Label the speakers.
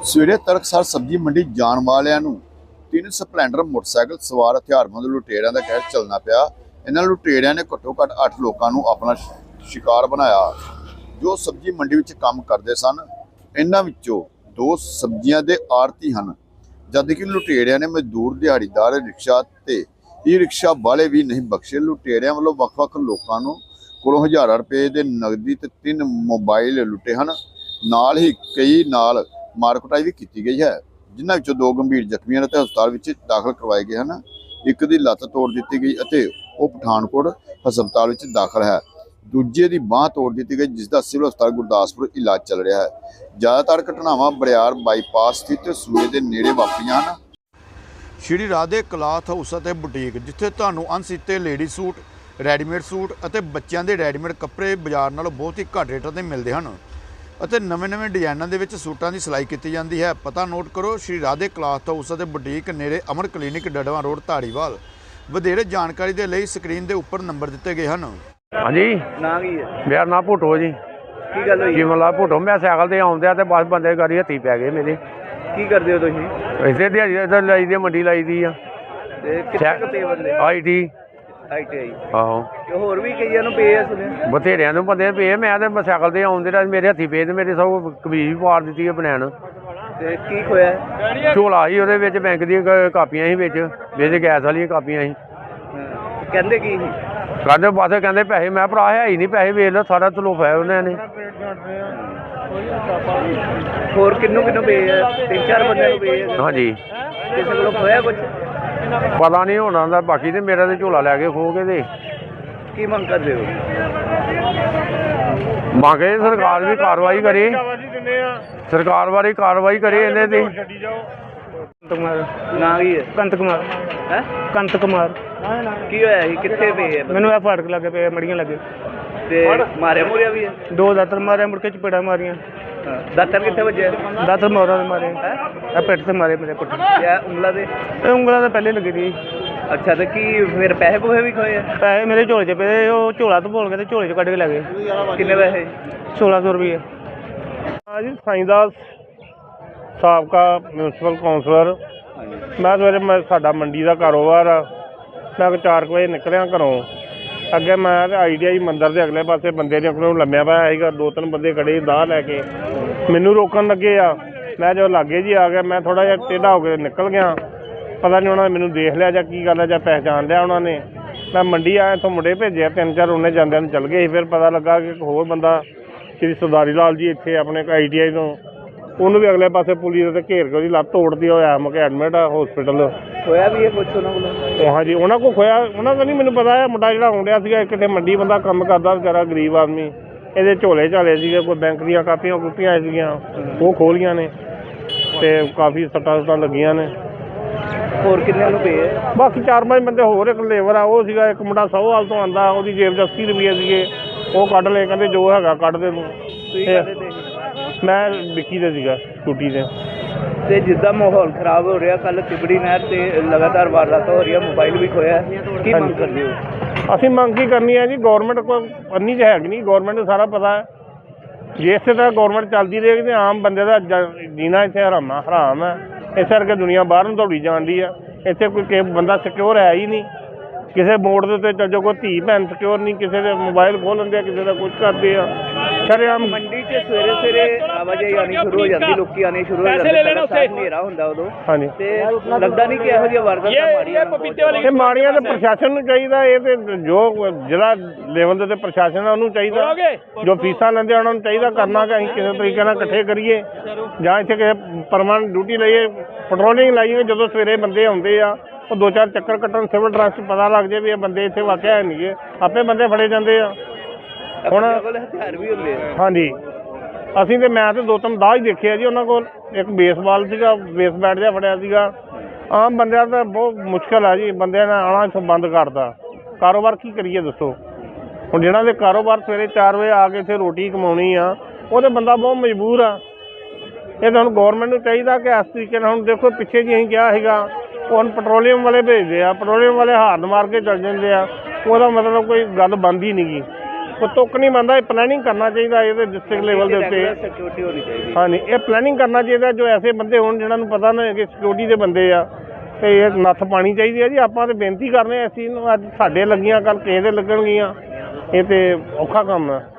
Speaker 1: ਸਵੇਰੇ ਤੜਕਸਾਰ ਸਬਜ਼ੀ ਮੰਡੀ ਜਾਣ ਵਾਲਿਆਂ ਨੂੰ ਤਿੰਨ ਸਪਲੈਂਡਰ ਮੋਟਰਸਾਈਕਲ ਸਵਾਰ ਹਥਿਆਰਬੰਦ ਲੁਟੇਰਿਆਂ ਦਾ ਕਹਿਰ ਚੱਲਣਾ ਪਿਆ। ਇਹਨਾਂ ਲੁਟੇਰਿਆਂ ਨੇ ਘੱਟੋ ਘੱਟ 8 ਲੋਕਾਂ ਨੂੰ ਆਪਣਾ ਸ਼ਿਕਾਰ ਬਣਾਇਆ ਜੋ ਸਬਜ਼ੀ ਮੰਡੀ ਵਿੱਚ ਕੰਮ ਕਰਦੇ ਸਨ। ਇਹਨਾਂ ਵਿੱਚੋਂ 2 ਸਬਜ਼ੀਆਂ ਦੇ ਆੜਤੀ ਹਨ, ਜਦ ਕਿ ਲੁਟੇਰਿਆਂ ਨੇ ਮਜ਼ਦੂਰ, ਦਿਹਾੜੀਦਾਰ, ਰਿਕਸ਼ਾ ਤੇ ਈ ਰਿਕਸ਼ਾ ਵਾਲੇ ਵੀ ਨਹੀਂ ਬਖਸ਼ੇ। ਲੁਟੇਰਿਆਂ ਵੱਲੋਂ ਵੱਖ-ਵੱਖ ਲੋਕਾਂ ਨੂੰ ਕੋਲੋਂ ਹਜ਼ਾਰਾਂ ਰੁਪਏ ਦੇ ਨਗਦੀ ਤੇ 3 ਮੋਬਾਈਲ ਲੁੱਟੇ ਹਨ। ਨਾਲ ਹੀ ਕਈ ਨਾਲ ਮਾਰ ਕੁਟਾਈ ਵੀ ਕੀਤੀ ਗਈ ਹੈ, ਜਿਨ੍ਹਾਂ ਵਿੱਚੋਂ 2 ਗੰਭੀਰ ਜ਼ਖਮੀ ਅਤੇ ਹਸਪਤਾਲ ਵਿੱਚ ਦਾਖਲ ਕਰਵਾਏ ਗਏ ਹਨ। ਇੱਕ ਦੀ ਲੱਤ ਤੋੜ ਦਿੱਤੀ ਗਈ ਅਤੇ ਉਹ ਪਠਾਨਕੋਟ ਹਸਪਤਾਲ ਵਿੱਚ ਦਾਖਲ ਹੈ। ਦੂਜੇ ਦੀ ਬਾਂਹ ਤੋੜ ਦਿੱਤੀ ਗਈ, ਜਿਸ ਦਾ ਸਿਵਲ ਹਸਪਤਾਲ ਗੁਰਦਾਸਪੁਰ ਇਲਾਜ ਚੱਲ ਰਿਹਾ ਹੈ। ਜ਼ਿਆਦਾਤਰ ਘਟਨਾਵਾਂ ਬਰਿਆਰ ਬਾਈਪਾਸ ਸਥਿਤ ਸੂਏ ਦੇ ਨੇੜੇ ਵਾਪਰੀਆਂ ਹਨ। ਸ਼੍ਰੀ ਰਾਧੇ ਕਲਾਥ ਹਾਊਸ ਅਤੇ ਬੁਟੀਕ, ਜਿੱਥੇ ਤੁਹਾਨੂੰ ਅਣਸੀਤੇ ਲੇਡੀ ਸੂਟ, ਰੈਡੀਮੇਡ ਸੂਟ ਅਤੇ ਬੱਚਿਆਂ ਦੇ ਰੈਡੀਮੇਡ ਕੱਪੜੇ ਬਾਜ਼ਾਰ ਨਾਲੋਂ ਬਹੁਤ ਹੀ ਘੱਟ ਰੇਟਾਂ 'ਤੇ ਮਿਲਦੇ ਹਨ ਅਤੇ ਨਵੇਂ ਡਿਜ਼ਾਈਨਾਂ ਦੇ ਵਿੱਚ ਸੂਟਾਂ ਦੀ ਸਿਲਾਈ ਕੀਤੀ ਜਾਂਦੀ ਹੈ। ਪਤਾ ਨੋਟ ਕਰੋ, ਸ਼੍ਰੀ ਰਾਧੇ ਕਲਾਥ ਹਾਊਸ ਅਤੇ ਬੁਟੀਕ, ਨੇੜੇ ਅਮਰ ਕਲੀਨਿਕ, ਡੜਵਾ ਰੋਡ, ਧਾਰੀਵਾਲ। ਵਧੇਰੇ ਜਾਣਕਾਰੀ ਦੇ ਲਈ ਸਕਰੀਨ ਦੇ ਉੱਪਰ ਨੰਬਰ ਦਿੱਤੇ ਗਏ ਹਨ।
Speaker 2: हाँ जी
Speaker 3: ना की है
Speaker 2: मेरा नाम भुट्टो जी।
Speaker 3: की गल होई
Speaker 2: जीवन लाल भुट्टो। मैं साइकिल से आउंदे ते बस बंदे गाड़ी हत्थी पै गए मेरे।
Speaker 3: की करदे हो तुसीं
Speaker 2: इसे दिहाड़ी इधर लाई दी, मंडी लाई दी
Speaker 3: ते कितने क पे बंदे
Speaker 2: IT
Speaker 3: ITI
Speaker 2: आहो
Speaker 3: ते होर भी कईयां नूं पे है सुने
Speaker 2: बथेरिया नूं बंदे पे। मैं साइकिल से आउंदे मेरे हत्थी पे ते मेरे सब कमीज भी पाड़ दी है बनैन।
Speaker 3: ते की खोया है?
Speaker 2: झोला ही ਉਹਦੇ ਵਿੱਚ बैंक दी ਕਾਪੀਆਂ ਸੀ ਵਿੱਚ ਗੈਸ ਵਾਲੀਆਂ ਕਾਪੀਆਂ ਸੀ।
Speaker 3: कहंदे की ही
Speaker 2: ਕਹਿੰਦੇ ਬਸ ਕਹਿੰਦੇ ਪੈਸੇ। ਮੈਂ ਭਰਾ ਹੈ ਹੀ ਨਹੀਂ ਪੈਸੇ, ਵੇਚ ਲਓ ਸਾਰਾ ਤਲੋਫਾ ਹੈ ਉਹਨਾਂ ਨੇ।
Speaker 3: होर किन्नू पे है? 3-4 बंदे नूं पे है?
Speaker 2: हाँ जी
Speaker 3: किसी कोलों खोया कुछ?
Speaker 2: पता नहीं होना ਦਾ ਬਾਕੀ ਤੇ ਮੇਰਾ ਤੇ ਝੋਲਾ ਲੈ ਕੇ ਖੋ ਕੇ ਤੇ
Speaker 3: की मंग करदे हो?
Speaker 2: ਮੰਗੇ ਸਰਕਾਰ ਵੀ ਕਾਰਵਾਈ ਕਰੇ, ਸਰਕਾਰ ਬਾਰੇ ਕਾਰਵਾਈ ਕਰੇ ਇਹਨੇ ਤੇ।
Speaker 3: ना की है
Speaker 4: ਕੰਤ ਕੁਮਾਰ
Speaker 3: हैं
Speaker 4: ਕੰਤ ਕੁਮਾਰ
Speaker 3: की होया ही कित्थे पे है
Speaker 4: ਮੈਨੂੰ ਇਹ ਫਾੜਕ ਲੱਗੇ ਪਏ, ਮੜੀਆਂ ਲੱਗੇ।
Speaker 3: ते मारिया मुरिया भी है?
Speaker 4: 2 ਦਾਤਰ ਮਾਰੇ, ਮੁੜ ਕੇ ਚਪੇੜਾ ਮਾਰੀਆਂ।
Speaker 3: दातर कित्थे वजे
Speaker 4: ਦਾਤਰ ਮੋਰਾਂ ਦੇ ਮਾਰੇ, ਇਹ ਪਿੱਠ ਤੇ ਮਾਰੇ ਮੇਰੇ ਪੁੱਠ।
Speaker 3: या उंगला दे?
Speaker 4: ਇਹ ਉਂਗਲਾਂ ਤਾਂ ਪਹਿਲੇ ਲੱਗੀ ਸੀ।
Speaker 3: अच्छा तो की फिर पैसे पूहे भी खोए हैं?
Speaker 4: ਪੈਸੇ ਮੇਰੇ ਝੋਲੇ 'ਚ ਪਏ, ਉਹ ਝੋਲਾ ਤੋਂ ਭੋਲ ਕੇ ਤੇ ਝੋਲੇ 'ਚ ਕੱਢ ਕੇ ਲੈ ਗਏ।
Speaker 3: किन्ने पैसे?
Speaker 4: 1600 ਰੁਪਏ।
Speaker 5: हाँ जी, साईदास ਸਾਬਕਾ ਮਿਊਨਸਿਪਲ ਕਾਉਂਸਲਰ। ਮੈਂ ਸਵੇਰੇ ਸਾਡਾ ਮੰਡੀ ਦਾ ਕਾਰੋਬਾਰ ਆ। ਮੈਂ 4 ਵਜੇ ਨਿਕਲਿਆ ਘਰੋਂ। ਅੱਗੇ ਮੈਂ ITI ਮੰਦਿਰ ਦੇ ਅਗਲੇ ਪਾਸੇ ਬੰਦੇ ਨੇ ਆਪਣੇ ਨੂੰ ਲੰਮਿਆ ਪਿਆ ਸੀਗਾ। 2-3 ਬੰਦੇ ਖੜੇ ਦਾਹ ਲੈ ਕੇ ਮੈਨੂੰ ਰੋਕਣ ਲੱਗੇ ਆ। ਮੈਂ ਜਦੋਂ ਲਾਗੇ ਜੀ ਆ ਗਿਆ, ਮੈਂ ਥੋੜ੍ਹਾ ਜਿਹਾ ਟੇਢਾ ਹੋ ਕੇ ਨਿਕਲ ਗਿਆ। ਪਤਾ ਨਹੀਂ ਉਹਨਾਂ ਨੇ ਮੈਨੂੰ ਦੇਖ ਲਿਆ ਜਾਂ ਕੀ ਗੱਲ ਹੈ, ਜਾਂ ਪਹਿਚਾਣ ਲਿਆ ਉਹਨਾਂ ਨੇ। ਮੈਂ ਮੰਡੀ ਆਇਆ, ਇੱਥੋਂ ਮੁੰਡੇ ਭੇਜਿਆ 3-4, ਉਹਨੇ ਜਾਂਦਿਆਂ ਨੂੰ ਚੱਲ ਗਏ ਸੀ। ਫਿਰ ਪਤਾ ਲੱਗਾ ਕਿ ਇੱਕ ਹੋਰ ਬੰਦਾ ਸ਼੍ਰੀ ਸਰਦਾਰੀ ਲਾਲ ਜੀ ਇੱਥੇ ਆਪਣੇ ITI ਤੋਂ, ਉਹਨੂੰ ਵੀ ਅਗਲੇ ਪਾਸੇ ਪੁਲਿਸ ਦੇ ਘੇਰ ਕੇ ਉਹਦੀ ਲੱਤ ਤੋੜਦੀ ਹੋਇਆ ਮੁੜ ਕੇ ਐਡਮਿਟ ਆ ਹਸਪੀਟਲ।
Speaker 3: खोया भी है कुछ उन्होंने कोलों?
Speaker 5: ਹਾਂਜੀ, ਉਹਨਾਂ ਕੋਲ ਖੋਇਆ, ਉਹਨਾਂ ਦਾ ਨਹੀਂ ਮੈਨੂੰ ਪਤਾ ਹੈ। ਮੁੰਡਾ ਜਿਹੜਾ ਆਉਂਦਿਆ ਸੀਗਾ, ਕਿਤੇ ਮੰਡੀ ਬੰਦਾ ਕੰਮ ਕਰਦਾ ਵਿਚਾਰਾ, ਗਰੀਬ ਆਦਮੀ। ਇਹਦੇ ਝੋਲੇ ਝਾਲੇ ਸੀਗੇ, ਕੋਈ ਬੈਂਕ ਦੀਆਂ ਕਾਪੀਆਂ ਕੂਪੀਆਂ ਸੀਗੀਆਂ, ਉਹ ਖੋਲੀਆਂ ਨੇ ਤੇ ਕਾਫੀ ਸੱਟਾਂ ਸੁੱਟਾਂ ਲੱਗੀਆਂ ਨੇ।
Speaker 3: होर किन्ने नूं पे है?
Speaker 5: ਬਾਕੀ 4-5 ਬੰਦੇ ਹੋਰ। ਇੱਕ ਲੇਬਰ ਆ, ਉਹ ਸੀਗਾ। ਇੱਕ ਮੁੰਡਾ ਸੌਹਾਲ ਤੋਂ ਆਉਂਦਾ, ਉਹਦੀ ਜੇਬ 'ਚ 80 ਰੁਪਏ ਸੀਗੇ, ਉਹ ਕੱਢ ਲਏ। ਕਹਿੰਦੇ ਜੋ ਹੈਗਾ ਕੱਢ ਦੇ ਤੂੰ।
Speaker 3: ਤੁਸੀਂ ਕਾਹਦੇ ਤੇ ਸੀ?
Speaker 5: ਮੈਂ ਵਿੱਕੀ ਦੇ ਸੀਗਾ, ਸਕੂਟੀ ਤੇ।
Speaker 3: ਤੇ ਜਿੱਦਾਂ ਮਾਹੌਲ ਖਰਾਬ ਹੋ ਰਿਹਾ, ਕੱਲ ਤਿਬੜੀ ਨਹਿਰ ਤੇ ਲਗਾਤਾਰ ਵਾਰਦਾਤ ਹੋ ਰਹੀ ਹੈ, ਮੋਬਾਈਲ ਵੀ ਖੋਇਆ, ਕੀ ਮੰਗ ਕਰਦੇ ਹੋ?
Speaker 5: ਅਸੀਂ ਮੰਗ ਕੀ ਕਰਨੀ ਹੈ ਜੀ? ਗੌਰਮੈਂਟ ਕੋਈ ਅੰਨੀ 'ਚ ਹੈਗੀ ਨਹੀਂ, ਗੌਰਮੈਂਟ ਨੂੰ ਸਾਰਾ ਪਤਾ ਹੈ। ਜੇ ਇਸੇ ਤਰ੍ਹਾਂ ਗੌਰਮੈਂਟ ਚੱਲਦੀ ਰਹੇਗੀ ਤਾਂ ਆਮ ਬੰਦੇ ਦਾ ਜੀਣਾ ਇੱਥੇ ਹਰਾਮ ਹੈ। ਇਸ ਕਰਕੇ ਦੁਨੀਆ ਬਾਹਰ ਨੂੰ ਦੌੜੀ ਜਾਂਦੀ ਆ। ਇੱਥੇ ਕੋਈ ਬੰਦਾ ਸਿਕਿਉਰ ਹੈ ਹੀ ਨਹੀਂ। ਕਿਸੇ ਮੋੜ ਦੇ ਉੱਤੇ ਚੱਲ ਜਾਓ, ਕੋਈ ਧੀ ਭੈਣ ਸਿਕਿਉਰ ਨਹੀਂ। ਕਿਸੇ ਦੇ ਮੋਬਾਈਲ ਖੋਹ ਲੈਂਦੇ ਆ, ਕਿਸੇ ਦਾ ਕੁਝ ਕਰਦੇ ਆ। ਸ਼ਰੇਆਮ
Speaker 3: ਮੰਡੀ 'ਚ ਸਵੇਰੇ ਆਵਾਜਾਈ ਆਉਣੀ ਸ਼ੁਰੂ ਹੋ ਜਾਂਦੀ, ਲੋਕੀ ਆਉਣੇ ਸ਼ੁਰੂ ਹੋ ਜਾਂਦੇ, ਪਹਿਲਾਂ ਸਾਫ਼ ਹਨੇਰਾ ਹੁੰਦਾ ਉਦੋਂ।
Speaker 5: ਹਾਂਜੀ,
Speaker 3: ਤੇ ਲੱਗਦਾ ਨਹੀਂ ਕਿ ਇਹੋ ਜਿਹੀਆਂ ਵਾਰਦਾਤਾਂ ਮਾੜੀਆਂ
Speaker 5: ਇਹ ਮਾੜੀਆਂ ਤਾਂ ਪ੍ਰਸ਼ਾਸਨ ਨੂੰ ਚਾਹੀਦਾ। ਇਹ ਤੇ ਜੋ ਜ਼ਿਲ੍ਹਾ ਲੈਵਲ ਦੇ ਤੇ ਪ੍ਰਸ਼ਾਸਨ ਆ, ਉਹਨੂੰ ਚਾਹੀਦਾ। ਜੋ ਫੀਸਾਂ ਲੈਂਦੇ ਉਹਨਾਂ ਨੂੰ ਚਾਹੀਦਾ ਕਰਨਾ ਕਿ ਅਸੀਂ ਕਿਸੇ ਤਰੀਕੇ ਨਾਲ ਇਕੱਠੇ ਕਰੀਏ, ਜਾਂ ਇੱਥੇ ਕਿਸੇ ਪਰਮਾਨੈਂਟ ਡਿਊਟੀ ਲਈਏ, ਪੈਟਰੋਲਿੰਗ ਲਾਈਏ। ਜਦੋਂ ਸਵੇਰੇ ਬੰਦੇ ਆਉਂਦੇ ਆ, ਉਹ 2-4 ਚੱਕਰ ਕੱਟਣ, ਸਿਵਲ ਡਰੈਸ 'ਚ ਪਤਾ ਲੱਗ ਜਾਏ ਵੀ ਇਹ ਬੰਦੇ ਇੱਥੇ ਵਾਕਿਆ ਹੈ ਨਹੀਂ ਗੇ, ਆਪੇ ਬੰਦੇ ਫੜੇ ਜਾਂਦੇ ਆ। ਹੁਣ
Speaker 3: ਹਥਿਆਰ ਵੀ ਹੁੰਦੇ ਆ।
Speaker 5: ਹਾਂਜੀ, ਅਸੀਂ ਤੇ ਮੈਂ ਤੇ 2-3 ਦਾਹ ਹੀ ਦੇਖੇ ਆ ਜੀ ਉਹਨਾਂ ਕੋਲ। ਇੱਕ ਬੇਸਬਾਲ ਸੀਗਾ, ਬੇਸ ਬੈਟ ਜਿਹਾ ਫੜਿਆ ਸੀਗਾ। ਆਮ ਬੰਦਿਆਂ ਦਾ ਬਹੁਤ ਮੁਸ਼ਕਿਲ ਆ ਜੀ, ਬੰਦਿਆਂ ਨੇ ਆਉਣਾ ਇੱਥੋਂ ਬੰਦ ਕਰਤਾ। ਕਾਰੋਬਾਰ ਕੀ ਕਰੀਏ ਦੱਸੋ? ਹੁਣ ਜਿਹਨਾਂ ਦੇ ਕਾਰੋਬਾਰ ਸਵੇਰੇ 4 ਵਜੇ ਆ ਕੇ ਇੱਥੇ ਰੋਟੀ ਕਮਾਉਣੀ ਆ, ਉਹ ਤਾਂ ਬੰਦਾ ਬਹੁਤ ਮਜਬੂਰ ਆ। ਇਹ ਤਾਂ ਹੁਣ ਗੌਰਮੈਂਟ ਨੂੰ ਚਾਹੀਦਾ ਕਿ ਇਸ ਤਰੀਕੇ ਨਾਲ, ਹੁਣ ਦੇਖੋ ਪਿੱਛੇ ਜੀ ਅਸੀਂ ਕਿਹਾ ਸੀਗਾ, ਉਹ ਹੁਣ ਪੈਟਰੋਲੀਅਮ ਵਾਲੇ ਭੇਜਦੇ ਆ, ਪੈਟਰੋਲੀਅਮ ਵਾਲੇ ਹਾਰਨ ਮਾਰ ਕੇ ਚੱਲ ਜਾਂਦੇ ਆ। ਉਹਦਾ ਮਤਲਬ ਕੋਈ ਗੱਲ ਬਣਦੀ ਨਹੀਂ ਗੀ। ਕੋਈ ਤੁੱਕ ਨਹੀਂ ਮੰਨਦਾ, ਇਹ ਪਲੈਨਿੰਗ ਕਰਨਾ ਚਾਹੀਦਾ ਇਹਦੇ ਡਿਸਟ੍ਰਿਕਟ ਲੈਵਲ ਦੇ ਉੱਤੇ।
Speaker 3: ਸਿਕਿਉਰਿਟੀ ਹੋਣੀ ਚਾਹੀਦੀ।
Speaker 5: ਹਾਂਜੀ, ਇਹ ਪਲੈਨਿੰਗ ਕਰਨਾ ਚਾਹੀਦਾ, ਜੋ ਐਸੇ ਬੰਦੇ ਹੋਣ ਜਿਹਨਾਂ ਨੂੰ ਪਤਾ ਨਾ ਕਿ ਸਿਕਿਉਰਿਟੀ ਦੇ ਬੰਦੇ ਆ, ਤੇ ਇਹ ਨੱਥ ਪਾਣੀ ਚਾਹੀਦੀ ਹੈ ਜੀ। ਆਪਾਂ ਤਾਂ ਬੇਨਤੀ ਕਰਨੇ ਇਸ ਚੀਜ਼ ਨੂੰ, ਅੱਜ ਸਾਡੇ ਲੱਗੀਆਂ ਕੱਲ ਕਿਸੇ ਦੇ ਲੱਗਣਗੀਆਂ, ਇਹ ਤੇ ਔਖਾ ਕੰਮ ਹੈ।